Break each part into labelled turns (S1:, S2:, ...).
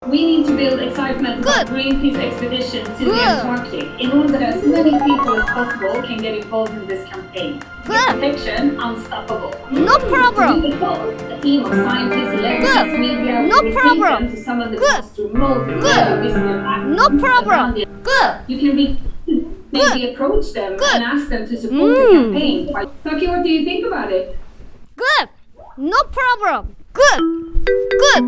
S1: We need to build excitement about Greenpeace expeditions to the Antarctic in order that as many people as possible can get involved in this campaign. Protection unstoppable.
S2: No problem.
S1: A team of scientists, electronics, media,
S2: No
S1: will
S2: problem.
S1: take them to some of the most remote and visible islands
S2: No problem.
S1: around the-
S2: Good.
S1: You can maybe approach them and ask them to support the campaign. Toki, what do you think about it?
S2: Good. No problem. Good. Good.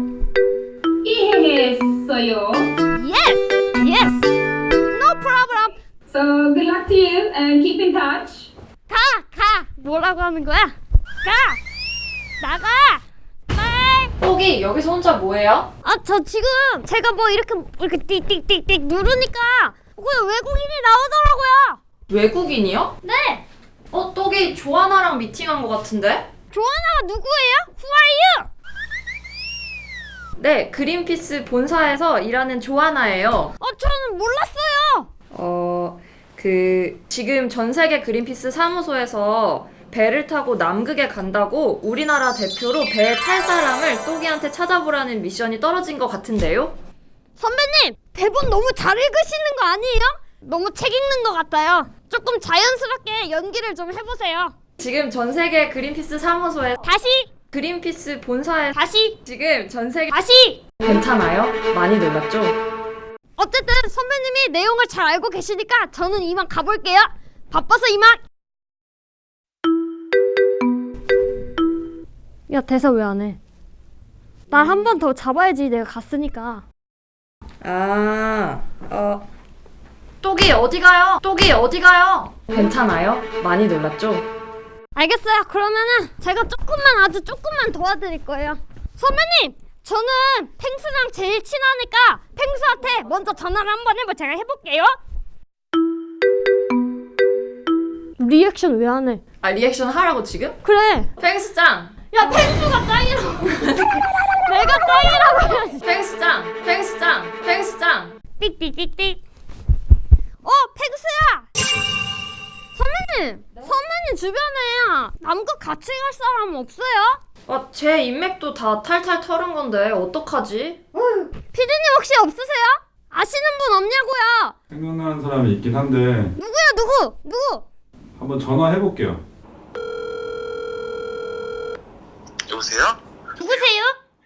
S1: 이해했어요.
S2: Yes. Yes. No problem.
S1: So good luck to you and keep in touch.
S2: 가. 뭐라고 하는 거야? 가. 나가. 빨.
S3: 톡이 여기서 혼자 뭐해요?
S2: 저 지금 제가 뭐 이렇게 띡띡띡띡 누르니까 그냥 외국인이 나오더라고요.
S3: 외국인이요?
S2: 네.
S3: 톡이 조아나랑 미팅한 것 같은데?
S2: 조아나가 누구예요? Who are you?
S3: 네, 그린피스 본사에서 일하는 조아나예요.
S2: 저는 몰랐어요.
S3: 지금 전 세계 그린피스 사무소에서 배를 타고 남극에 간다고 우리나라 대표로 배에 탈 사람을 똑이한테 찾아보라는 미션이 떨어진 것 같은데요?
S2: 선배님, 대본 너무 잘 읽으시는 거 아니에요? 너무 책 읽는 것 같아요. 조금 자연스럽게 연기를 좀 해보세요.
S3: 지금 전 세계 그린피스 사무소에
S2: 다시,
S3: 그린피스 본사에
S2: 다시,
S3: 지금 전 세계
S2: 다시.
S3: 괜찮아요? 많이 놀랐죠?
S2: 어쨌든 선배님이 내용을 잘 알고 계시니까 저는 이만 가볼게요. 바빠서 이만. 야, 대사 왜 안 해? 날 한 번 더 잡아야지. 내가 갔으니까.
S3: 똑이 어디 가요? 똑이 어디 가요? 괜찮아요? 많이 놀랐죠?
S2: 알겠어요. 그러면은 제가 아주 조금만 도와드릴 거예요. 선배님, 저는 펭수랑 제일 친하니까 펭수한테 먼저 전화를 한번 제가 해볼게요. 리액션 왜 안 해?
S3: 리액션 하라고 지금?
S2: 그래.
S3: 펭수짱!
S2: 야, 펭수가 짱이라고. 내가 짱이라고 해야지.
S3: 펭수짱!
S2: 삑삑삑삑. 펭수야. 선배님 주변에 남극 같이 갈 사람 없어요?
S3: 제 인맥도 다 탈탈 털은 건데 어떡하지?
S2: 피디님 혹시 없으세요? 아시는 분 없냐고요?
S4: 생각나는 사람이 있긴 한데
S2: 누구야, 누구?
S4: 한번 전화해볼게요.
S5: 여보세요?
S2: 누구세요?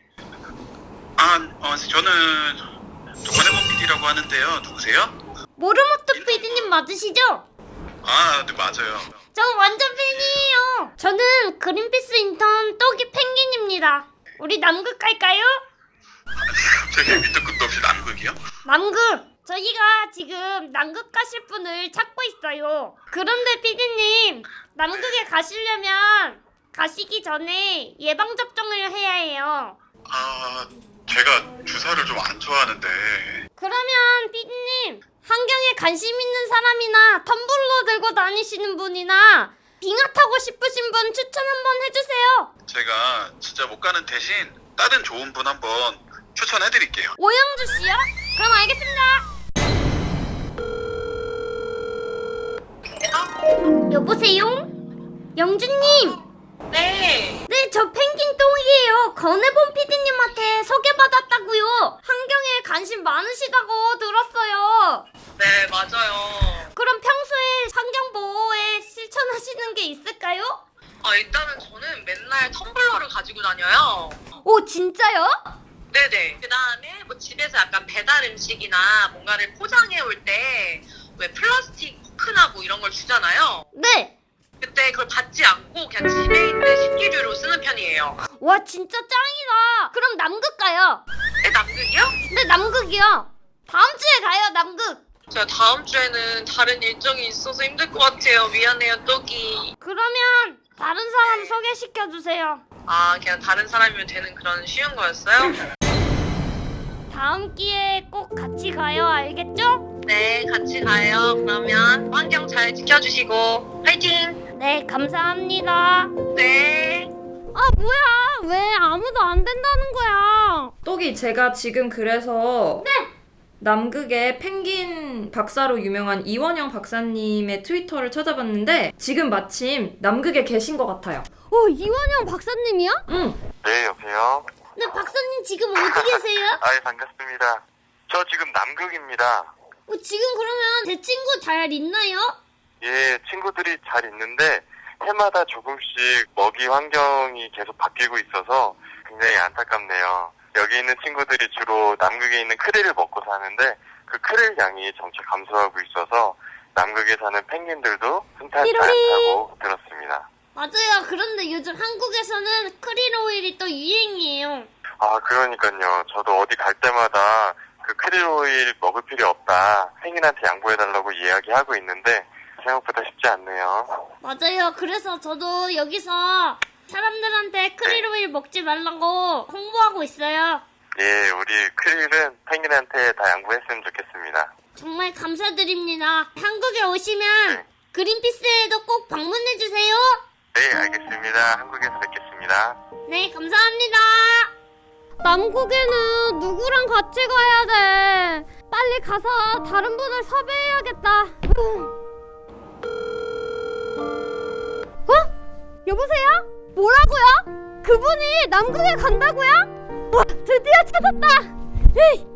S5: 저는 조관해본 PD라고 하는데요. 누구세요?
S2: 모르모토 피디님 맞으시죠?
S5: 네, 맞아요.
S2: 저 완전 팬이에요. 저는 그린피스 인턴 떡이 펭귄입니다. 우리 남극 갈까요?
S5: 되게 밑도 끝도 없이 남극이요?
S2: 남극! 저희가 지금 남극 가실 분을 찾고 있어요. 그런데 피디님, 남극에 가시려면 가시기 전에 예방접종을 해야 해요.
S5: 제가 주사를 좀 안 좋아하는데.
S2: 그러면 피디님, 환경에 관심 있는 사람이나 텀블러 들고 다니시는 분이나 빙하 타고 싶으신 분 추천 한번 해주세요.
S5: 제가 진짜 못 가는 대신 다른 좋은 분 한번 추천해드릴게요.
S2: 오영주 씨요? 그럼 알겠습니다. 여보세요? 영주님.
S6: 네,
S2: 저 펭귄 똥이에요. 건해본 PD님한테 소개받았다고요. 환경에 관심 많으시다고 들었어요.
S6: 네, 맞아요.
S2: 그럼 평소에 환경 보호에 실천하시는 게 있을까요?
S6: 일단은 저는 맨날 텀블러를 가지고 다녀요.
S2: 오, 진짜요?
S6: 네네. 그 다음에 뭐 집에서 약간 배달 음식이나 뭔가를 포장해 올 때 왜 플라스틱 포크나 뭐 이런 걸 주잖아요.
S2: 네.
S6: 그때 그걸 받지 않고 그냥 집에 있는 식기류로 쓰는 편이에요.
S2: 와, 진짜 짱이다. 그럼 남극 가요.
S6: 네, 남극이요?
S2: 네, 남극이요. 다음 주에 가요, 남극.
S6: 제가 다음 주에는 다른 일정이 있어서 힘들 것 같아요. 미안해요, 떡이.
S2: 그러면 다른 사람 소개시켜주세요.
S6: 그냥 다른 사람이면 되는 그런 쉬운 거였어요?
S2: 다음 기회에 꼭 같이 가요, 알겠죠?
S6: 네, 같이 가요. 그러면 환경 잘 지켜주시고 화이팅!
S2: 네, 감사합니다.
S6: 네.
S2: 뭐야, 왜 아무도 안 된다는 거야?
S3: 똑이 제가 지금 그래서 남극의 펭귄 박사로 유명한 이원영 박사님의 트위터를 찾아봤는데 지금 마침 남극에 계신 것 같아요.
S2: 이원영 박사님이요?
S3: 응.
S5: 네, 여보세요?
S2: 네, 박사님 지금 어디 계세요?
S7: 아, 예, 반갑습니다. 저 지금 남극입니다.
S2: 지금 그러면 제 친구 잘 있나요?
S7: 예, 친구들이 잘 있는데 해마다 조금씩 먹이 환경이 계속 바뀌고 있어서 굉장히 안타깝네요. 여기 있는 친구들이 주로 남극에 있는 크릴을 먹고 사는데 그 크릴 양이 점차 감소하고 있어서 남극에 사는 펭귄들도 흔쾌히 않다고 들었습니다.
S2: 맞아요. 그런데 요즘 한국에서는 크릴 오일이 또 유행이에요.
S7: 아, 그러니까요. 저도 어디 갈 때마다 그 크릴 오일 먹을 필요 없다. 펭귄한테 양보해달라고 이야기하고 있는데 생각보다 쉽지 않네요.
S2: 맞아요. 그래서 저도 여기서 사람들한테 크릴 오일 먹지 말라고 홍보하고 있어요.
S7: 예, 우리 크릴은 펭귄한테 다 양보했으면 좋겠습니다.
S2: 정말 감사드립니다. 한국에 오시면 그린피스에도 꼭 방문해주세요.
S7: 네, 알겠습니다. 한국에서 뵙겠습니다.
S2: 네, 감사합니다. 남국에는 누구랑 같이 가야 돼? 빨리 가서 다른 분을 섭외해야겠다. 여보세요? 뭐라고요? 그분이 남극에 간다고요? 와, 드디어 찾았다. 에이,